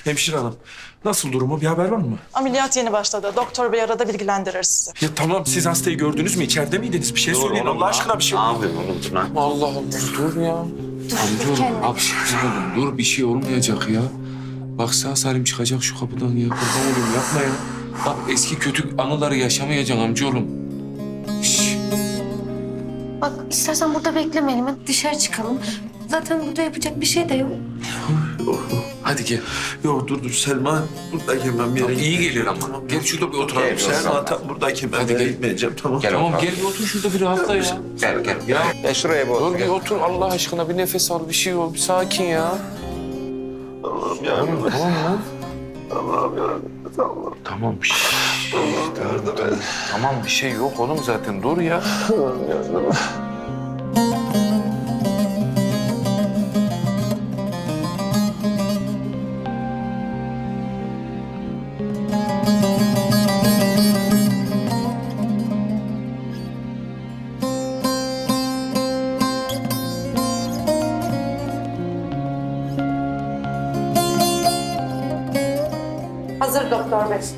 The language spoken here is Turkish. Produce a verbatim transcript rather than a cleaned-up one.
Hemşire hanım, nasıl durumu? Bir haber var mı? Ameliyat yeni başladı. Doktor bey arada bilgilendirir sizi. Ya tamam, siz hastayı gördünüz mü? İçeride miydiniz? Bir şey söyleyin Allah aşkına bir şey. Ne yapıyorsun oğlum lan? Allah Allah dur ya. Amcaoğlum hapşırmadım. Dur bir şey olmayacak ya. Bak sağ salim çıkacak şu kapıdan ya. Kurban olayım yapma ya. Bak eski kötü anıları yaşamayacaksın amcaoğlum. Şşş. Bak istersen burada beklemeyelim. Hadi dışarı çıkalım. Zaten burada yapacak bir şey de yok. Hadi gel. Yok dur dur Selma, buradayken ben bir yere Tamam, iyi gitmeyeceğim. gelir ama. Gel şurada bir oturalım. Gel, Selma tam buradayken ben Hadi bir yere gel. gitmeyeceğim, tamam. Gel Tamam otur. gel bir otur şurada bir rahatla ya. Gel gel. Ya Gel şuraya bir dur otur. bir gel. otur Allah aşkına bir nefes al bir şey ol bir sakin ya. Allah'ım ya. Tamam tamam lan. Allah'ım ya. Tamam. Tamam. Şşş, tamam, tamam. Tamam bir şey yok oğlum zaten dur ya. Hazır doktor bey.